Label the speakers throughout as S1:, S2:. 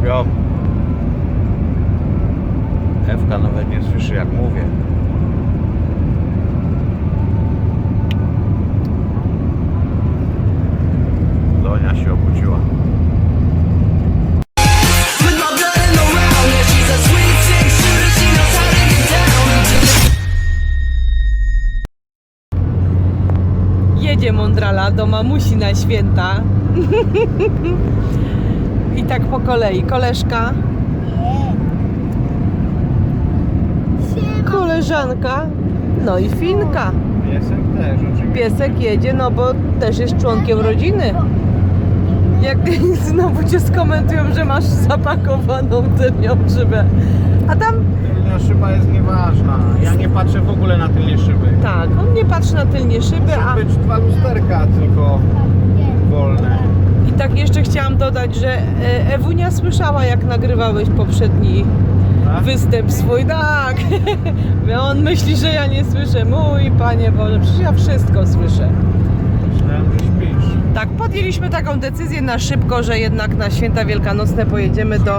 S1: śpią. Ewka nawet nie słyszy, jak mówię. Donia się obudziła.
S2: Jedzie mądrala do mamusi na święta. I tak po kolei. Koleżka, koleżanka, no i Finka.
S1: Piesek też oczywiście.
S2: Piesek jedzie, no bo też jest członkiem rodziny. Jak znowu cię skomentują, że masz zapakowaną tylnią szybę. A tam...
S1: Tylnia szyba jest nieważna. Ja nie patrzę w ogóle na tylnie szyby.
S2: Tak, on nie patrzy na tylnie szyby, a...
S1: Muszą być 2 lusterka tylko wolne.
S2: I tak jeszcze chciałam dodać, że Ewunia słyszała, jak nagrywałeś poprzedni
S1: Tak?
S2: występ swój. Tak, on myśli, że ja nie słyszę. Mój Panie Boże, przecież ja wszystko słyszę.
S1: Myślałem, że śpisz.
S2: Tak, podjęliśmy taką decyzję na szybko, że jednak na święta wielkanocne pojedziemy do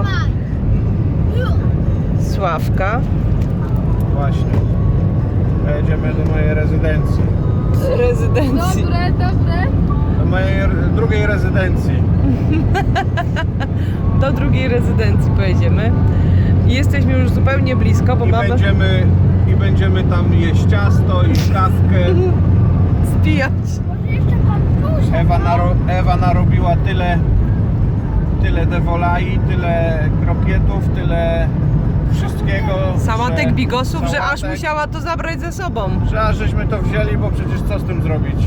S2: Sławka.
S1: Właśnie. Jedziemy do mojej rezydencji.
S2: Rezydencji.
S3: Dobre.
S1: Do mojej drugiej rezydencji.
S2: Do drugiej rezydencji pojedziemy. I jesteśmy już zupełnie blisko, bo mamy
S1: będziemy tam jeść ciasto i kawkę.
S2: spijać.
S3: Może jeszcze pan
S1: Ewa narobiła tyle dewolai, tyle krokietów, tyle wszystkiego.
S2: Sałatek, bigosów, że aż
S1: sałatek,
S2: musiała to zabrać ze sobą.
S1: że aż żeśmy to wzięli, bo przecież co z tym zrobić?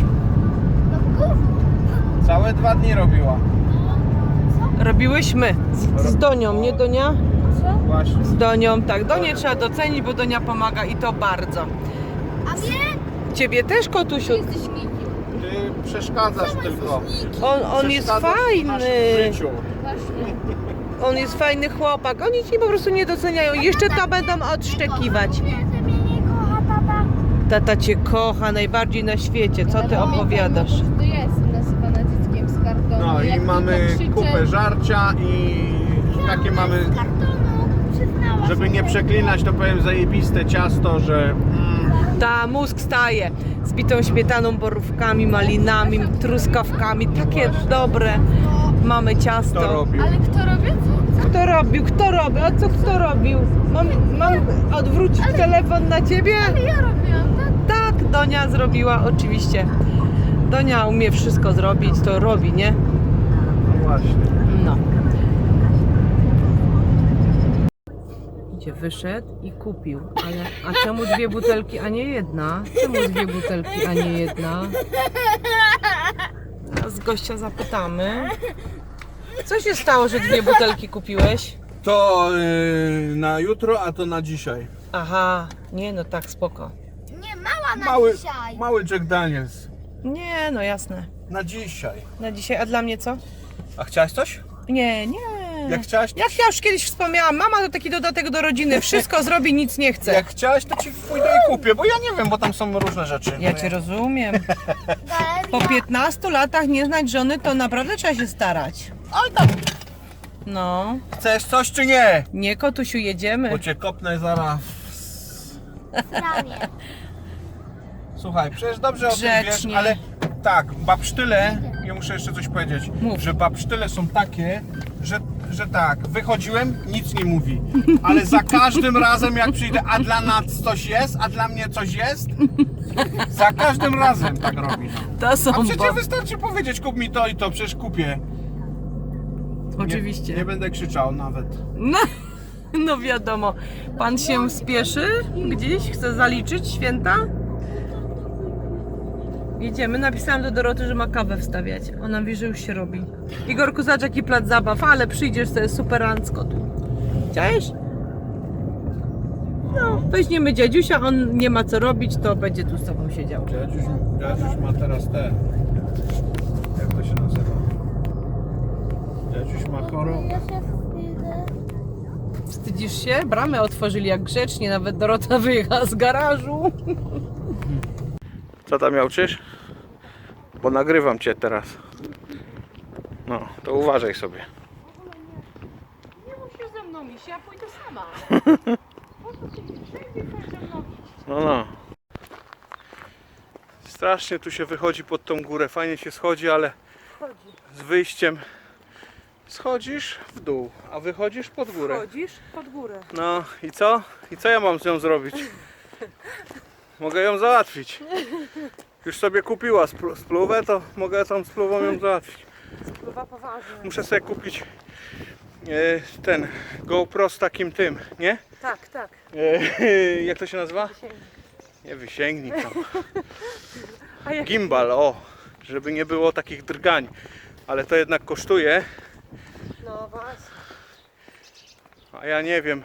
S1: Całe 2 dni robiła.
S2: Robiłyśmy z Donią, nie Donia?
S1: Właśnie.
S2: Z Donią, tak. Donię trzeba docenić, bo Donia pomaga i to bardzo.
S3: A mnie?
S2: Ciebie też, kotusiu.
S3: Jesteś nikim.
S1: Ty przeszkadzasz tylko.
S2: On jest
S1: Przeszkadzasz w
S2: fajny.
S1: naszym życiu.
S3: Właśnie.
S2: On jest fajny chłopak. Oni ci po prostu nie doceniają. Jeszcze to będą odszczekiwać.
S3: Że mnie nie kocha tata.
S2: Tata cię kocha najbardziej na świecie. Co ty opowiadasz?
S3: To ja jestem nazywana dzieckiem z kartonu.
S1: No
S3: Jak
S1: i mamy
S3: tylko krzyczę,
S1: kupę żarcia i takie mamy,
S3: z kartonu, przyznała
S1: żeby
S3: się.
S1: nie przeklinać, to powiem zajebiste ciasto, że
S2: Ta mózg staje z bitą śmietaną, borówkami, malinami, truskawkami. Takie dobre. Mamy
S1: to
S2: ciasto.
S1: robił.
S3: Ale kto robi?
S2: Kto robił? Kto robił? A co kto robił? Mam odwrócić telefon na ciebie?
S3: Ja robiłam, tak?
S2: Tak, Donia zrobiła oczywiście. Donia umie wszystko zrobić, to robi, nie?
S1: No właśnie.
S2: No. Idzie, wyszedł i kupił. Ale a czemu 2 butelki, a nie jedna? Czemu 2 butelki, a nie jedna? Teraz gościa zapytamy. Co się stało, że 2 butelki kupiłeś?
S1: To na jutro, a to na dzisiaj.
S2: Aha, nie no tak, spoko.
S3: Nie, mała na dzisiaj.
S1: Mały Jack Daniels.
S2: Nie, no jasne.
S1: Na dzisiaj.
S2: Na dzisiaj, a dla mnie co?
S1: A chciałaś coś?
S2: Nie.
S1: Jak chciałaś?
S2: Jak ja już kiedyś wspomniałam, mama to taki dodatek do rodziny, wszystko zrobi, nic nie chce.
S1: Jak chciałaś, to ci pójdę i kupię, bo ja nie wiem, bo tam są różne rzeczy.
S2: Ja cię rozumiem. Po
S3: Galeria.
S2: 15 latach nie znać żony, to naprawdę trzeba się starać.
S1: Ale tam,
S2: No,
S1: chcesz coś czy nie?
S2: nie kotusiu, jedziemy.
S1: Bo cię kopnę zaraz.
S3: Ramię.
S1: Słuchaj, przecież dobrze o tym
S2: Grzecznie.
S1: wiesz, ale tak, babsztyle, ja muszę jeszcze coś powiedzieć,
S2: Mów.
S1: że babsztyle są takie, że tak, wychodziłem, nic nie mówi, ale za każdym razem jak przyjdę, a dla nas coś jest, a dla mnie coś jest, za każdym razem tak robi.
S2: To są
S1: A przecież wystarczy powiedzieć, kup mi to i to, przecież kupię.
S2: Oczywiście.
S1: Nie będę krzyczał nawet.
S2: No wiadomo. Pan się spieszy gdzieś? Chce zaliczyć święta? Jedziemy. Napisałam do Doroty, że ma kawę wstawiać. Ona mówi, że już się robi. Igorku, zobacz jaki plac zabaw, ale przyjdziesz, to jest superancko tu. Chciałeś? No, weźmiemy dziadziusia, on nie ma co robić, to będzie tu z tobą siedział.
S1: Dziadziuś ma teraz te... Jak to się nazywa? Dziadziuś ma chorobę.
S3: Ja się wstydzę.
S2: Wstydzisz się? Bramę otworzyli jak grzecznie, nawet Dorota wyjechała z garażu.
S1: Co tam miałczysz? Bo nagrywam cię teraz. No, to uważaj sobie.
S2: robisz? Ja pójdę sama. Po co ty wszędzie chcesz ze mną iść?
S1: No. Strasznie tu się wychodzi pod tą górę. Fajnie się schodzi, ale
S2: Chodzi.
S1: z wyjściem schodzisz w dół, a wychodzisz pod górę.
S2: Chodzisz pod górę.
S1: No i co? I co ja mam z nią zrobić? Mogę ją załatwić. Już sobie kupiła spluwę, to mogę tą spluwą ją załatwić.
S2: Spływa poważnie.
S1: Muszę sobie kupić ten GoPro z takim tym, nie?
S2: Tak, tak.
S1: Jak to się nazywa? Nie wysięgnik tam.
S2: A jak
S1: Gimbal, o! Żeby nie było takich drgań. Ale to jednak kosztuje,
S2: no właśnie.
S1: a ja nie wiem,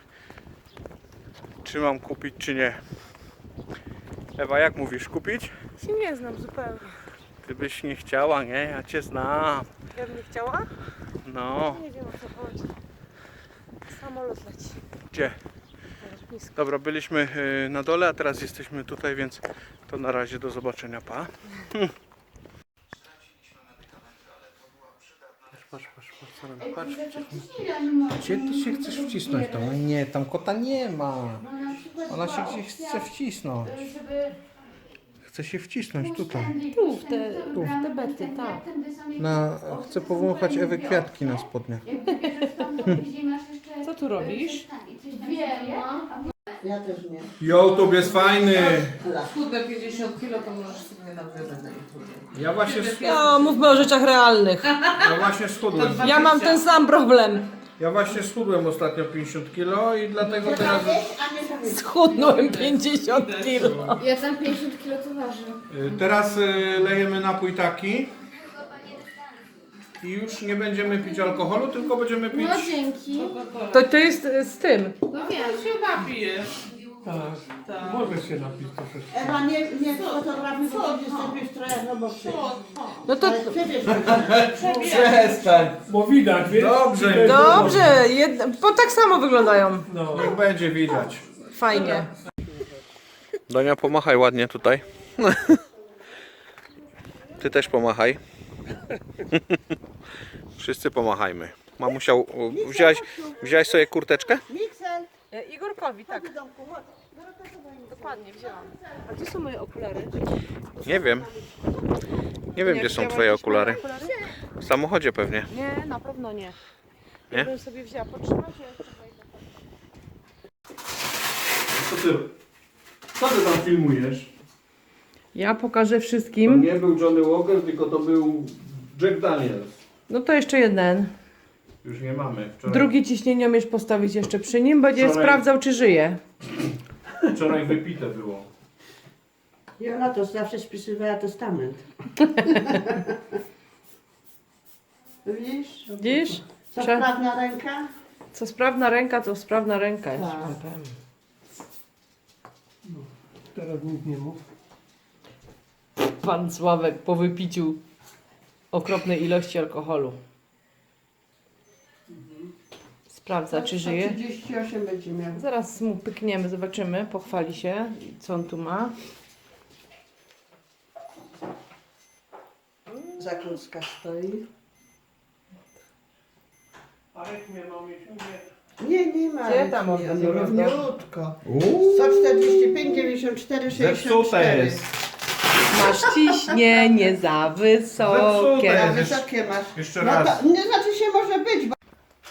S1: czy mam kupić, czy nie. Ewa, jak mówisz, kupić?
S2: Się nie znam zupełnie.
S1: Ty byś nie chciała, nie? Ja cię znam.
S2: Ja bym nie chciała?
S1: No,
S2: Nie wiem o co chodzi. Samolot leci.
S1: gdzie?
S2: Na lotnisku.
S1: Dobra, byliśmy na dole, a teraz jesteśmy tutaj, więc to na razie do zobaczenia, pa. Patrz. Gdzie ty się chcesz wcisnąć tam? Nie, tam kota nie ma. Ona się gdzieś chce wcisnąć. Chce się wcisnąć tutaj.
S2: Tu, w te bety, tak.
S1: Chcę powąchać Ewy kwiatki na spodniach.
S2: Co tu robisz?
S4: Ja też nie.
S1: YouTube jest fajny.
S4: Schudnę 50 kg, to możesz sobie nawierzyć na YouTube.
S2: No, mówmy o rzeczach realnych.
S1: Ja właśnie schudłem.
S2: Ja mam ten sam problem.
S1: Ja właśnie schudłem ostatnio 50 kg i dlatego teraz
S2: Schudnąłem 50 kilo.
S3: Ja tam 50 kg to waży.
S1: teraz lejemy napój taki i już nie będziemy pić alkoholu, tylko będziemy pić.
S3: No dzięki.
S2: To jest z tym.
S3: No wiem.
S4: Chyba pijesz.
S1: Możesz się napić troszeczkę.
S4: Ewa, nie fotografuj, bo jesteś trochę roboczy.
S2: No to
S4: Ale przebierz
S1: Przestań.
S5: Bo widać, wiesz?
S1: Dobrze.
S2: dobrze, bo tak samo wyglądają.
S5: No.
S1: Niech będzie widać.
S2: Fajnie.
S1: Donia, pomachaj ładnie tutaj. Ty też pomachaj. Wszyscy pomachajmy. Mamusia, wziąłeś sobie kurteczkę?
S4: Miksel.
S2: Igorkowi, tak. Dokładnie, wzięłam. A gdzie są moje okulary?
S1: Nie wiem. Nie wiem, gdzie są twoje okulary. W samochodzie pewnie.
S2: Nie, na pewno nie.
S1: Nie?
S2: Ja bym sobie wzięła. Potrzymacie jeszcze.
S1: Co ty tam filmujesz?
S2: Ja pokażę
S1: To
S2: wszystkim.
S1: nie był Johnny Walker, tylko to był Jack Daniels.
S2: No to jeszcze jeden.
S1: Już nie mamy.
S2: Drugi ciśnieniomierz postawić jeszcze przy nim, będzie
S1: Wczoraj-
S2: sprawdzał, czy żyje.
S1: Wczoraj wypite było.
S4: Jola to zawsze spisywała testament. Widzisz?
S2: Widzisz?
S4: Co
S2: Prze-
S4: sprawna ręka?
S2: Co sprawna ręka, to sprawna ręka. Ja ci
S4: Tak.
S2: powiem.
S5: Teraz nic nie mów.
S2: Pan Sławek po wypiciu okropnej ilości alkoholu. Sprawdza, czy żyje.
S4: 38 będzie miał.
S2: Zaraz mu pykniemy, zobaczymy, pochwali się, co on tu ma.
S4: Zakruska stoi.
S1: Arek mnie
S4: Nie ma.
S2: Gdzie tam on
S4: nie,
S2: będzie
S4: równiutko. 145, 94, 64.
S2: Masz ciśnienie za wysokie.
S4: Na wysokie masz.
S1: Jeszcze
S4: No
S1: raz.
S4: to nie znaczy się może być, bo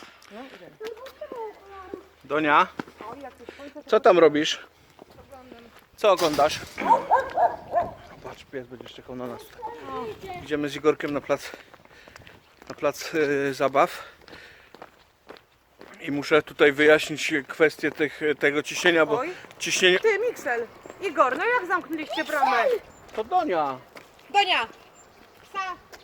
S1: Donia, co tam robisz? Co oglądasz? Patrz, pies będzie czekał na nas. Idziemy z Igorkiem na plac zabaw. I muszę tutaj wyjaśnić kwestię tego ciśnienia, bo
S2: Oj.
S1: ciśnienie...
S2: Ty, Miksel, Igor, no jak zamknęliście bramę?
S1: To Donia.
S2: Donia! Psa!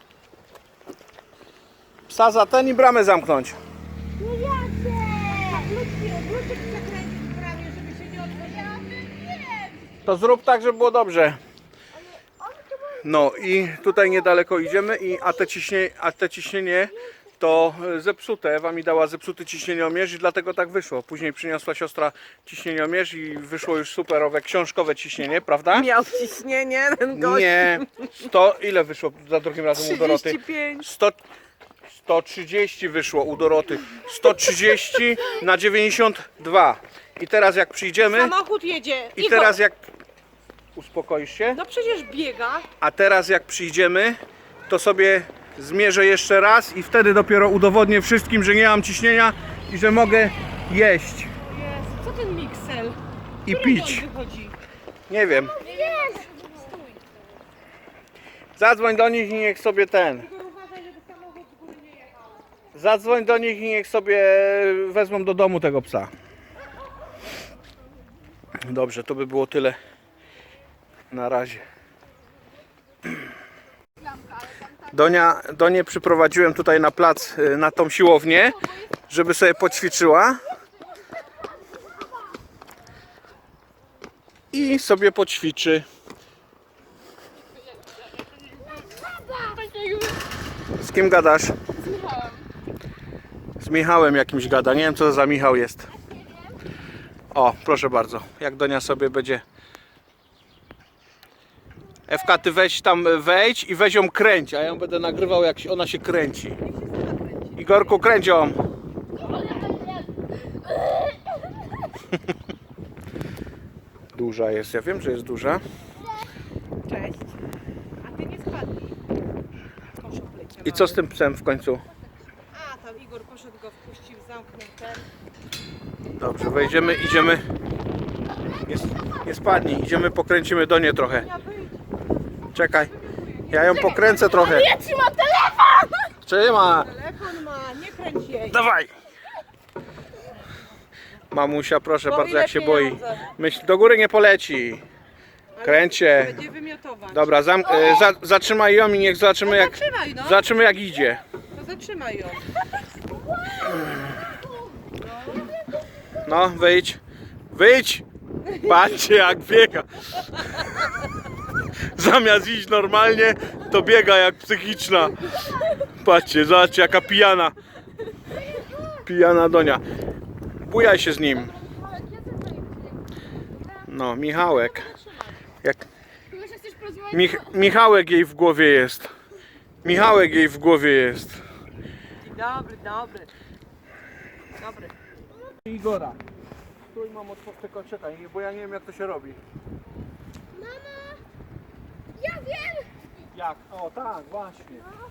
S1: Psa za ten i bramę zamknąć.
S3: No jadę!
S2: Kluczyk przekręcić w bramie, żeby się nie otworzyła.
S1: To zrób tak, żeby było dobrze. No i tutaj niedaleko idziemy, a te ciśnienie to zepsute. Ewa mi dała zepsuty ciśnieniomierz i dlatego tak wyszło. Później przyniosła siostra ciśnieniomierz i wyszło już superowe książkowe ciśnienie, prawda?
S2: Miał ciśnienie ten gość.
S1: Nie. 100, ile wyszło za drugim razem u Doroty?
S2: 35.
S1: 130 wyszło u Doroty. 130 na 92. I teraz jak przyjdziemy...
S2: Samochód jedzie.
S1: I teraz jak... Uspokoisz się?
S2: No przecież biega.
S1: A teraz jak przyjdziemy, to sobie zmierzę jeszcze raz i wtedy dopiero udowodnię wszystkim, że nie mam ciśnienia i że mogę jeść
S2: Jezu, co ten miksel?
S1: i pić.
S2: Wychodzi.
S1: Nie wiem. Zadzwoń do nich i niech sobie Zadzwoń do nich i niech sobie wezmą do domu tego psa. Dobrze, to by było tyle na razie. Donię przyprowadziłem tutaj na plac, na tą siłownię, żeby sobie poćwiczyła. I sobie poćwiczy. Z kim gadasz? Z Michałem jakimś gada. Nie wiem co to za Michał jest. O, proszę bardzo. Jak Donia sobie będzie... Ewka, ty weź tam, wejdź i weź ją kręć, a ja ją będę nagrywał jak ona się kręci. Igorku, kręć ją. Duża jest, ja wiem, że jest duża.
S2: Cześć. A ty nie spadnij.
S1: I co z tym psem w końcu?
S2: A, tam Igor poszedł, go wpuścił, zamknął ten.
S1: Dobrze, wejdziemy, idziemy. Nie spadnij, idziemy, pokręcimy Donię trochę. Czekaj, ja ją pokręcę trochę.
S3: Ja trzymam telefon!
S1: Trzyma.
S2: Telefon ma, nie kręć jej.
S1: Dawaj! Mamusia, proszę
S2: Bo
S1: bardzo,
S2: ile
S1: jak się boi.
S2: pieniądze?
S1: Myśl, do góry nie poleci. Kręć się.
S2: Będzie wymiotować.
S1: Dobra, zatrzymaj ją i niech zobaczymy jak,
S2: Zatrzymaj, no.
S1: zobaczymy jak idzie.
S2: To zatrzymaj ją.
S1: No, wyjdź. Wyjdź! Patrzcie jak biega. Zamiast iść normalnie, to biega jak psychiczna. Patrzcie, zobaczcie jaka pijana. Pijana Donia. Bujaj się z nim. No, Michałek. Jak... Michałek jej w głowie jest. Michałek jej w głowie jest.
S2: Dobry, dobry. Dobry.
S1: Igora. Stój mamo, tylko czekaj, bo ja nie wiem jak to się robi.
S3: Mama! Ja wiem!
S1: Jak? O tak, właśnie.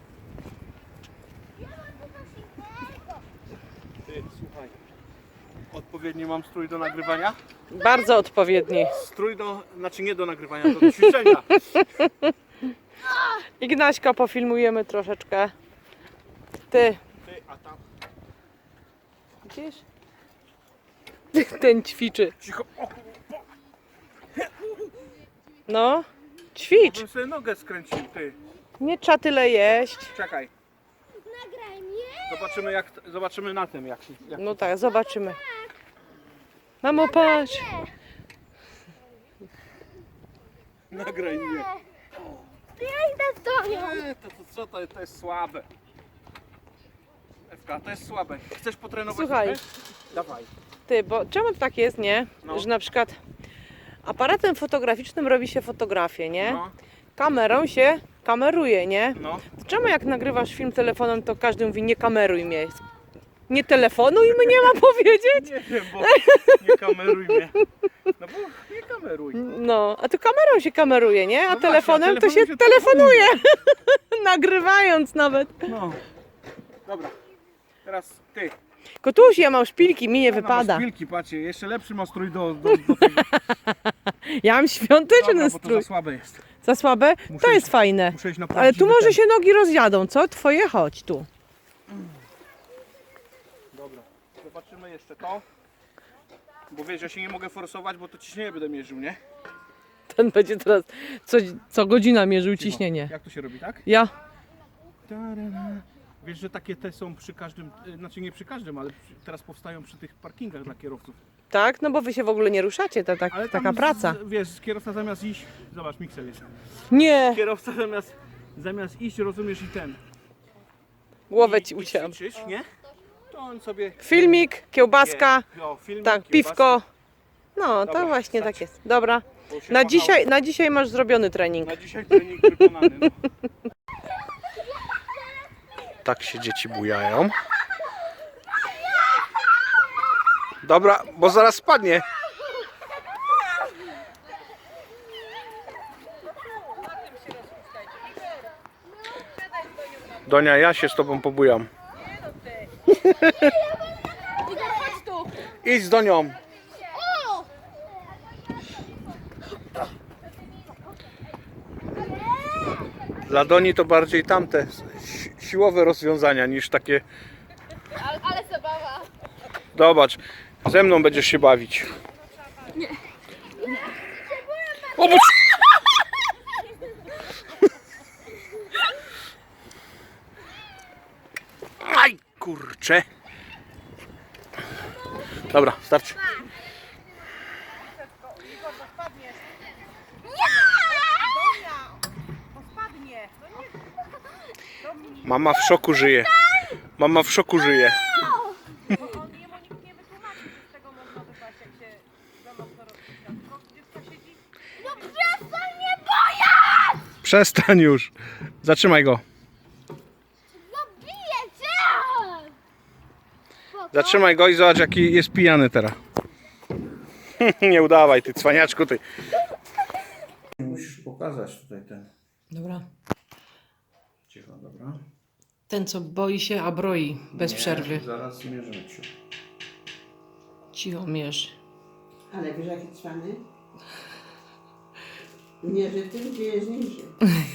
S3: Ja mam tu coś innego.
S1: Ty, słuchaj. Odpowiedni mam strój do nagrywania?
S2: Bardzo odpowiedni.
S1: Strój do, znaczy nie do nagrywania, do ćwiczenia.
S2: Ignaśka pofilmujemy troszeczkę. Ty,
S1: Ty, a tam.
S2: widzisz? Ten ćwiczy.
S1: Cicho. O,
S2: No, ćwicz.
S1: bym sobie nogę skręcił, ty.
S2: Nie trzeba tyle jeść.
S1: Czekaj.
S3: Nagraj mnie!
S1: Zobaczymy na tym jak się.
S2: No tak, zobaczymy. Mamo, patrz.
S1: Nagraj mnie.
S3: To ja idę z Donią.
S1: To jest słabe. Ewka, to jest słabe. Chcesz potrenować?
S2: Słuchaj.
S1: trochę? Dawaj.
S2: Ty, bo czemu tak jest, nie?
S1: No.
S2: Że na przykład aparatem fotograficznym robi się fotografię, nie?
S1: No,
S2: Kamerą się kameruje, nie?
S1: no.
S2: Czemu jak nagrywasz film telefonem, to każdy mówi nie kameruj mnie. Nie telefonuj mnie ma powiedzieć?
S1: Nie wiem, bo nie kameruj mnie. No bo nie kameruj.
S2: No, a tu kamerą się kameruje, nie? A
S1: No
S2: telefonem
S1: właśnie, a
S2: to się
S1: telefonem się
S2: telefonuje. Nagrywając nawet.
S1: No. Dobra. Teraz ty.
S2: Kotuś, ja mam szpilki, mi nie
S1: Ona ma
S2: wypada.
S1: szpilki, patrzcie, jeszcze lepszy ma strój do tego.
S2: Ja mam świąteczny
S1: Dobra, bo to
S2: strój.
S1: za słabe jest.
S2: Za słabe?
S1: Muszę
S2: To
S1: iść-
S2: jest fajne.
S1: Muszę iść na
S2: Ale tu
S1: prawdziwy
S2: może
S1: ten.
S2: się nogi rozjadą, co? Twoje chodź tu.
S1: Dobra, zobaczymy jeszcze to. Bo wiesz, ja się nie mogę forsować, bo to ciśnienie będę mierzył, nie?
S2: Ten będzie teraz co godzina mierzył ciśnienie.
S1: Jak to się robi, tak?
S2: Ja.
S1: Ta-ra-ra. Wiesz, że takie te są przy każdym, znaczy nie przy każdym, ale teraz powstają przy tych parkingach dla kierowców.
S2: Tak? No bo wy się w ogóle nie ruszacie, to
S1: Ale
S2: taka
S1: tam
S2: praca.
S1: Wiesz, kierowca zamiast iść, zobacz, miksel jest.
S2: Nie,
S1: Kierowca zamiast iść, rozumiesz, i ten.
S2: głowę ci
S1: i
S2: ucięłam.
S1: ćwiczyć, nie? To on sobie...
S2: Filmik, kiełbaska,
S1: No, filmik,
S2: tak,
S1: kiełbaska,
S2: piwko. No, to
S1: Dobra,
S2: właśnie
S1: stać.
S2: tak jest. Dobra.
S1: bo się
S2: Na
S1: machało.
S2: dzisiaj masz zrobiony trening.
S1: Na dzisiaj trening wykonany, no. Tak się dzieci bujają. Dobra, bo zaraz spadnie. Donia, ja się z tobą pobujam. Idź z Donią. Dla Doni to bardziej tamte siłowe rozwiązania niż takie.
S3: Ale zabawa.
S1: Zobacz, ze mną będziesz się bawić. Nie. O, bo... Aj, kurczę. Dobra, starczy. Mama w szoku żyje. Mama w szoku żyje.
S3: No przestań mnie boję!
S1: Przestań już. Zatrzymaj go.
S3: Zabiję cię!
S1: Zatrzymaj go i zobacz, jaki jest pijany teraz. Nie udawaj, ty cwaniaczku, ty. Musisz pokazać tutaj ten.
S2: Dobra.
S1: Cicho, dobra.
S2: Ten, co boi się, a broi bez przerwy.
S1: Zaraz zmierzymy cię.
S2: Cicho mierz.
S6: Ale wiesz jaki cwany? Nie, że tym, gdzie jest niżej.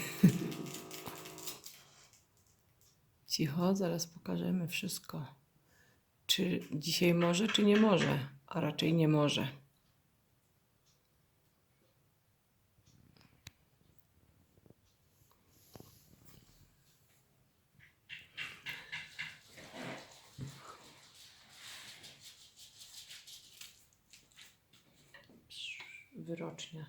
S2: Cicho, zaraz pokażemy wszystko. Czy dzisiaj może, czy nie może? A raczej nie może. Wyrocznia.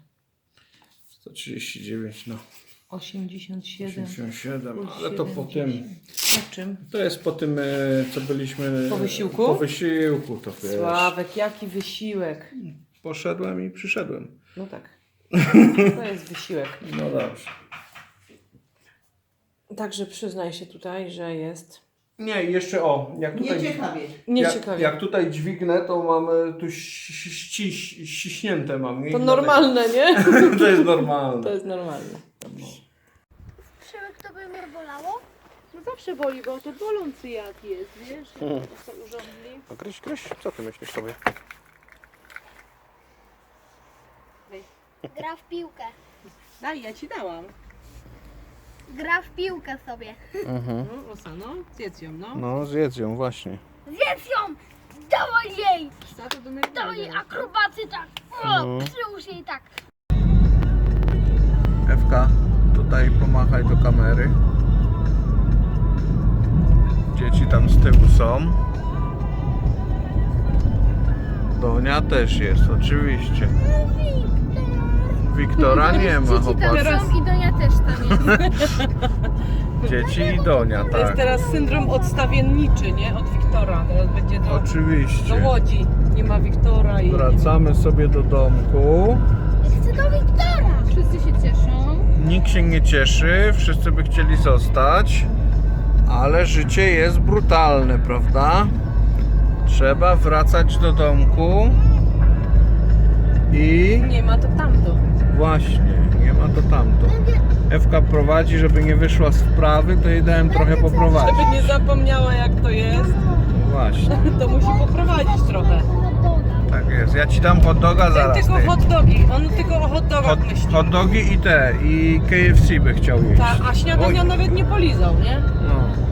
S1: 139, no.
S2: 87.
S1: 87,
S2: plus
S1: ale to po tym.
S2: 70. Po czym?
S1: To jest po tym, co byliśmy.
S2: Po wysiłku?
S1: Po wysiłku, to wiesz.
S2: Sławek, jaki wysiłek.
S1: Poszedłem i przyszedłem.
S2: No tak. To jest wysiłek.
S1: No dobrze.
S2: Także przyznaj się tutaj, że jest
S1: Nie, jeszcze o, jak tutaj.
S6: Nieciekawie.
S2: nieciekawie.
S1: Jak tutaj dźwignę, to mamy tu ściśnięte mam. nie?
S2: To normalne, nie?
S1: To jest normalne.
S2: To jest normalne.
S3: Przemek, to by mnie bolało?
S2: No zawsze boli, bo to bolący jad jest, wiesz? To urządli.
S1: No Kryś, co ty myślisz sobie?
S3: Gra w piłkę.
S2: Daj, ja ci dałam.
S3: Gra w piłkę sobie.
S2: No, Osano, zjedz ją, no.
S1: No zjedz ją właśnie.
S3: Zjedz ją! Dawaj jej!
S2: Stato do
S3: Dawaj jej akrobacy tak! O, przyłóż jej tak!
S1: Ewka, tutaj pomachaj do kamery. Dzieci tam z tyłu są. Donia też jest, oczywiście. Wiktora nie ma, chłopak.
S3: I Donia też tam jest.
S1: Dzieci i Donia,
S2: To jest
S1: tak.
S2: teraz syndrom odstawienniczy, nie? Od Wiktora. Teraz będzie do
S1: Oczywiście.
S2: Łodzi. Nie ma Wiktora i...
S1: Wracamy sobie do domku.
S3: Chcę do Wiktora! Wszyscy się cieszą.
S1: Nikt się nie cieszy, wszyscy by chcieli zostać, ale życie jest brutalne, prawda? Trzeba wracać do domku i
S2: Nie ma to tamto.
S1: właśnie, nie ma to tamto. Ewka prowadzi, żeby nie wyszła z wprawy, to jej dałem trochę poprowadzić.
S2: Żeby nie zapomniała jak to jest,
S1: Właśnie,
S2: to musi poprowadzić trochę.
S1: tak jest. Ja ci dam hot doga
S2: Ten
S1: zaraz.
S2: tylko
S1: ty.
S2: hot dogi. On tylko o hot dogach myśli.
S1: Hot dogi i te, i KFC by chciał jeść.
S2: Ta, a śniadania
S1: Oj.
S2: nawet nie polizał, nie?
S1: No.